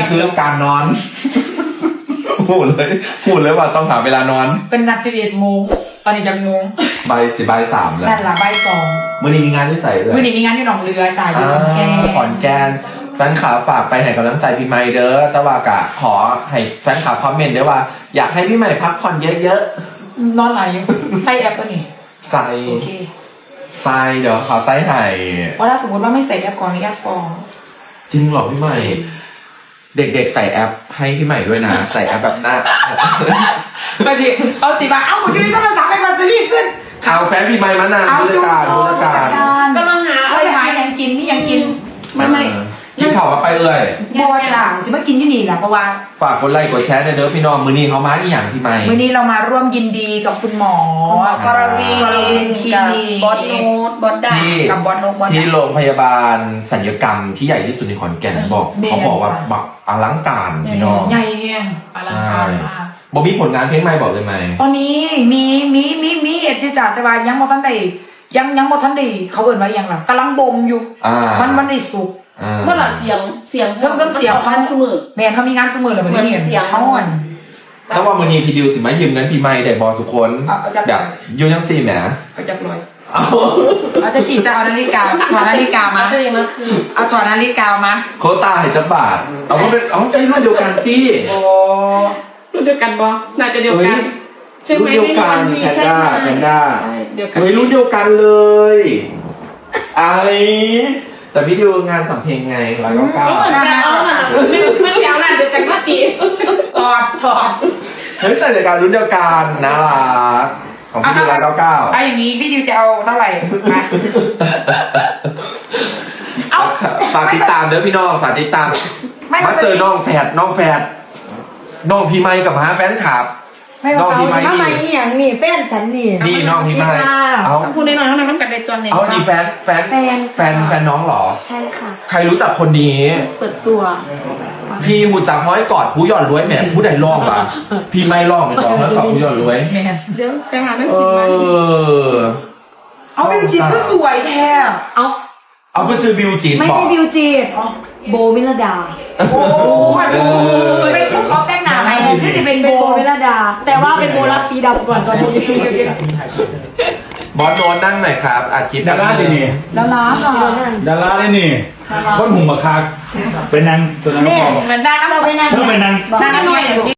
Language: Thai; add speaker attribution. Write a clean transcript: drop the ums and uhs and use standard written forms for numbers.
Speaker 1: คือการนอนพูดเลยว่าต้องหาเวลานอน
Speaker 2: เป็นนัด11 โมงตอนนี้จะงง
Speaker 1: บ่าย 3แล้ว
Speaker 2: นั่นละบ่าย 2
Speaker 1: มื่อนี้มีงานที่ใส่เลย
Speaker 2: มื่อนี้มีงานที่หนองเรือจ่ายอยู่
Speaker 1: ขอนแก่นแฟนคลับฝากไปให้กำลังใจพี่ใหม่เด้อแต่ว่ากะขอให้แฟนคลับคอมเมนต์ด้วยว่าอยากให้พี่ใหม่พักผ่อนเยอะ
Speaker 2: ๆนอนไหนใส่แอปป่ะนี่
Speaker 1: ใส่
Speaker 2: โอเค
Speaker 1: ใส่เดี๋ยวขอใส่ให้
Speaker 2: ว่าถ้าสมมติว่าไม่ใส่แอปก่อนนี่แอปฟอง
Speaker 1: จริงเหรอพี่ใหม่เด็กๆใส่แอปให้พี่ใหม่ด้วยนะใส่แอปแบบหน้า
Speaker 2: ไปดิเอาติบ้าเอาหมดอยู่ในโทรศัพท์ให้มาซีรีส์ขึ้น
Speaker 1: เอาแฟนพี่ใหม่มานานบริการ
Speaker 3: กำลังหา
Speaker 2: อะไรหายังกินนี่ยังกิน
Speaker 3: ไม่
Speaker 1: กินข่าวมาไปเลย
Speaker 2: บัวจ่างจะมากินที่นี่แหละเพราะว่า
Speaker 1: ฝากกดไลค์กดแชร์เด้อพี่น้องมื้อนี้เขามาที่อย่างพี่ใหม่
Speaker 2: มื้อนี้เรามาร่วมยินดีกับคุณหมอกรวีคลินิก
Speaker 3: บอสโนตบอสดา
Speaker 2: กับบอสโนต
Speaker 1: ที่โรงพยาบาลศัลยกรรมที่ใหญ่ที่สุดในขอนแก่นบอกเขาบอกว่าบักอลังการพี่น้อง
Speaker 2: ใหญ่แห้งอลังการมาก
Speaker 1: บอกมีผลงานเพลงใหม่บอกเลยไหม
Speaker 2: ตอนนี้มีเอ็ดที่จ่าแต่ว่ายังบ่ทันได้ยังบ่ทันได้เขาเอิ้นว่ายังล่ะกำลังบ่มอยู่มันได้สุก
Speaker 3: เมื่อไหร่เสียง
Speaker 2: เพิ่มเสียงเขา
Speaker 3: มือ
Speaker 2: แม่เขามีงานซุมือเลยเหมือนเสียงเขาอ่อน
Speaker 1: แล้วว่ามื้อนี้พี่ดิวสิมายืมเงินพี่ใหม่ได้บ่ทุกคนแบบอยู่จังซี่แหม
Speaker 2: เอาจักรอยเอาจะจีจะเอานาฬิกาถอดนาฬิกามาเอาถอดนาฬิกามา
Speaker 1: โคตาให้จักบาทเอาว่าเป็นเอาใส่รุ่นเดียวกันตี้
Speaker 2: โอ้
Speaker 3: รุ่นเดียวกันบ่น่าจะเดียวกัน
Speaker 1: รุ่นเดียวกันแพนด้ารุ่นเดียวกันเลยไอแต่พี่ดิวงานสัมเพลงไง199
Speaker 3: ก็เหมือนกันเอาน่ะไม่เดียวน่ะเดียวกันมาตี
Speaker 2: ถอด
Speaker 1: เฮ้ยใส่รายการรุ่นเดียวกันน่ารักของพี่ดิว199
Speaker 2: เอาอย่างนี้พี่ดิวจะเอาเท่าไหร่
Speaker 1: เอาฝากติดตามเด้อพี่น้องฝากติดตามมาเจอน้องแฝดน้องพี่ไมค์กับแฟนคลับ
Speaker 2: น้องพี่ไมค์นี่อย่างนี่แฟนฉัน
Speaker 1: นี่น้องพี่ไมค์
Speaker 3: เอาพูดน้อยๆน้องกันในตัวนี้
Speaker 1: เอาดีแฟนน้องเหรอ
Speaker 3: ใช่ค่ะ
Speaker 1: ใครรู้จักคนนี้
Speaker 3: เปิดตัว
Speaker 1: พี่หูจักห้อยกอดผู้หย่อนรวยแหมผู้ใดร้องวะพี่ไม่ร้องเป็นร้องห้อยกอดผู้หย่อนรวย
Speaker 3: เดี๋ยวไปหาเรื่องกินมัน
Speaker 2: เอาบิวจิตก็สวยแท้
Speaker 1: เอาไปซื้อบิวจิต
Speaker 3: ไม่ใช่บิวจิตโบมิลดา
Speaker 2: โอ้ไม่ถูกเขาแต่งหน้าไหมที่จะเป็นโบ
Speaker 3: มิลดาแต่ว่าเป็นโบรักสีดำก่อนตอนนี้
Speaker 1: บอสโดนนั่งหน่อยครับอาทิตย์
Speaker 4: ดาราเลยนี่
Speaker 2: ดารา
Speaker 4: เลยนี่คนหุ่มบักคักเป็นนางตัวนั้นก็
Speaker 2: เหมือนได้ก็เราเป็นนาง
Speaker 4: ถ้าเป็นนาง
Speaker 2: หน่อย